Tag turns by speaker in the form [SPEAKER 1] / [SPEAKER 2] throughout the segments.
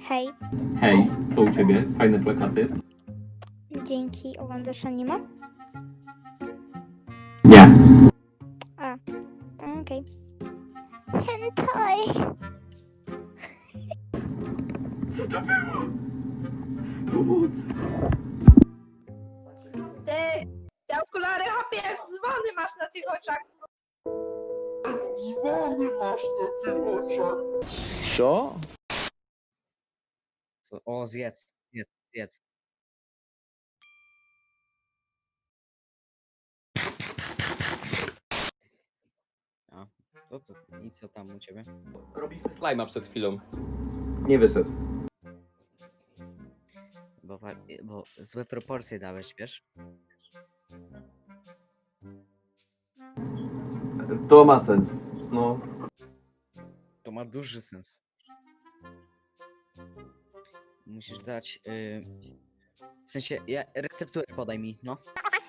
[SPEAKER 1] Hej,
[SPEAKER 2] Hej, co u ciebie? Fajne plakaty?
[SPEAKER 1] dzięki. Oglądasz anime?
[SPEAKER 2] Nie.
[SPEAKER 1] A, okej. Hentai!
[SPEAKER 2] Co to było? Pomocy.
[SPEAKER 3] Te okulary chapie jak dzwony masz na tych oczach.
[SPEAKER 4] Co?
[SPEAKER 5] O, zjedz. A, to co? I co tam u ciebie?
[SPEAKER 2] Robiliśmy
[SPEAKER 4] Slajma przed chwilą.
[SPEAKER 2] Nie wyszedł.
[SPEAKER 5] Bo złe proporcje dałeś, wiesz?
[SPEAKER 2] To ma sens. No.
[SPEAKER 5] To ma duży sens. Musisz dać... W sensie, recepturę podaj mi, no.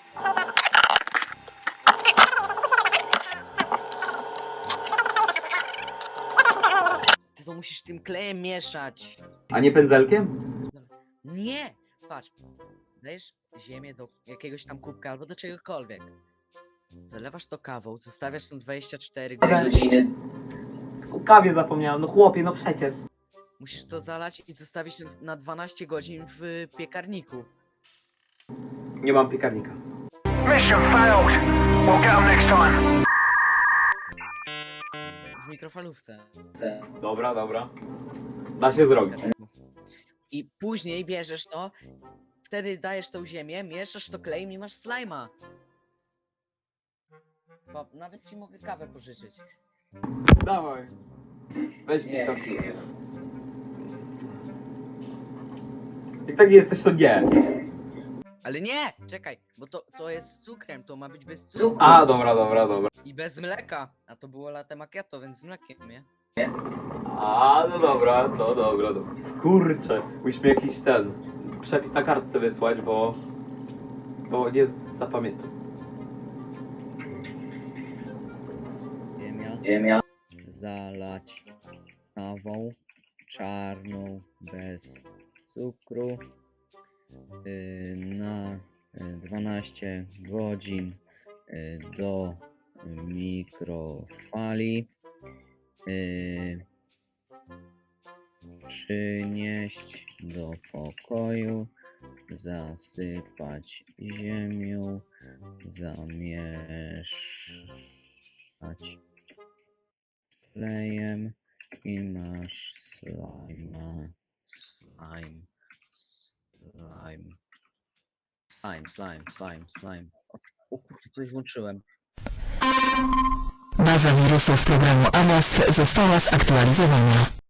[SPEAKER 5] Ty to musisz tym klejem mieszać.
[SPEAKER 2] A nie pędzelkiem?
[SPEAKER 5] Nie! Patrz. Dajesz ziemię do jakiegoś tam kubka albo do czegokolwiek. Zalewasz to kawą, zostawiasz tam 24 godziny.
[SPEAKER 2] O kawie zapomniałem, no chłopie, no przecież.
[SPEAKER 5] Musisz to zalać i zostawić na 12 godzin w piekarniku.
[SPEAKER 2] Nie mam piekarnika.
[SPEAKER 6] Mission failed. We'll get 'em next time.
[SPEAKER 5] W mikrofalówce.
[SPEAKER 2] Dobra. Da się zrobić.
[SPEAKER 5] I później bierzesz to, wtedy dajesz tą ziemię, mieszasz to klejem i masz slajma. Nawet ci mogę kawę pożyczyć.
[SPEAKER 2] Dawaj. Weź mi to. Jak tak jesteś, to nie.
[SPEAKER 5] Ale nie! Czekaj, bo to jest z cukrem, to ma być bez cukru.
[SPEAKER 2] A, dobra.
[SPEAKER 5] I bez mleka. A to było latte macchiato, więc z mlekiem, nie?
[SPEAKER 2] A, no dobra, to dobra. Kurczę, musimy jakiś przepis na kartce wysłać, bo nie zapamiętam.
[SPEAKER 5] Ziemia. Zalać kawą czarną bez cukru na 12 godzin do mikrofali. Przynieść do pokoju, zasypać ziemią, zamieszać klejem i masz slime. O kurczę, coś włączyłem.
[SPEAKER 7] Baza wirusów programu Avast została zaktualizowana.